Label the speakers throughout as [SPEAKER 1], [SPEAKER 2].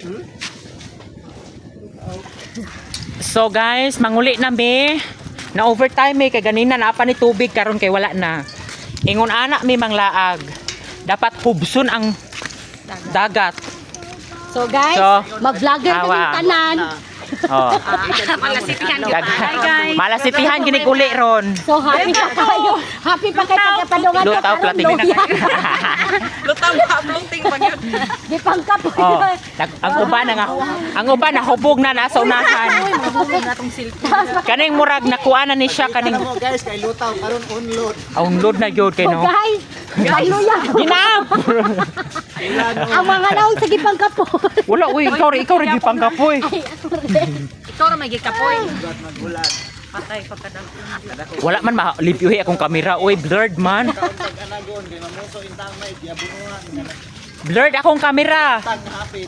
[SPEAKER 1] So guys, manguli na mi. Na overtime kay ganina na pa ni tubig karon kay wala na. Ingon anak mi manglaag. Dapat hubson ang dagat.
[SPEAKER 2] So guys,
[SPEAKER 1] So,
[SPEAKER 2] mag-vlogger kami
[SPEAKER 1] awa.
[SPEAKER 2] tanan.
[SPEAKER 1] Oh.
[SPEAKER 3] Malasitihan
[SPEAKER 1] Malasitihan ginig uli ron.
[SPEAKER 2] So happy pa kayo. Happy pa kayo pagkapadungan ko.
[SPEAKER 1] Lutaw plating.
[SPEAKER 3] Lutaw ba blunting pa gyud.
[SPEAKER 2] Di pangkap.
[SPEAKER 1] Oh, ang uban na hubog na nasa unahan.
[SPEAKER 3] Natong cellphone.
[SPEAKER 1] Kaning murag nakuha na ni siya kaning
[SPEAKER 4] Mo guys, kay lutaw karon unload.
[SPEAKER 1] unload na gyud kay
[SPEAKER 2] So
[SPEAKER 1] no.
[SPEAKER 2] guys, hallelujah.
[SPEAKER 1] Ginam.
[SPEAKER 2] Ang mga naong sa gipangkapon.
[SPEAKER 1] Wala uy, ikaw rin gipangkapoy.
[SPEAKER 2] Ay, ako rin.
[SPEAKER 3] Ikaw ra may gikapoy.
[SPEAKER 4] Magbulan.
[SPEAKER 3] Patay pagkadang.
[SPEAKER 1] Wala man malipyuhi akong kamera. Uy, blurred man.
[SPEAKER 4] Kaon tag anagon kay mamuso intang may giabunuhan nga
[SPEAKER 1] Blurred akong kamera.
[SPEAKER 4] tag hapit.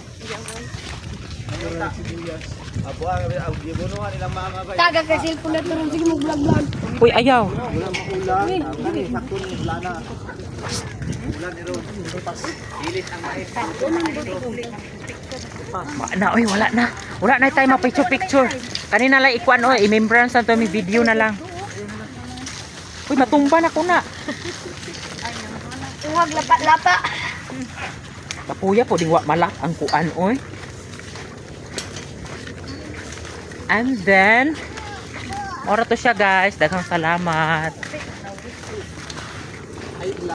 [SPEAKER 4] Abo ang giabunuhan ilang mga bay.
[SPEAKER 2] Taga ka cellphone na turun sige mo vlog.
[SPEAKER 1] Uy, ayaw.
[SPEAKER 4] Wala maulan. Kani sakto ni lana. Ulan ni ron. Ilit ang mais.
[SPEAKER 1] Na, uy, wala na. Wala na tayo ma-picture-picture. Kanina lang ikuan, uy, i-membrance na to, may video na lang. Uy, matumba na ko na.
[SPEAKER 2] Huwag lapa-lapa.
[SPEAKER 1] Kapuya po, ding wa malak ang kuan, uy. And then, ora to siya guys. Daghang salamat.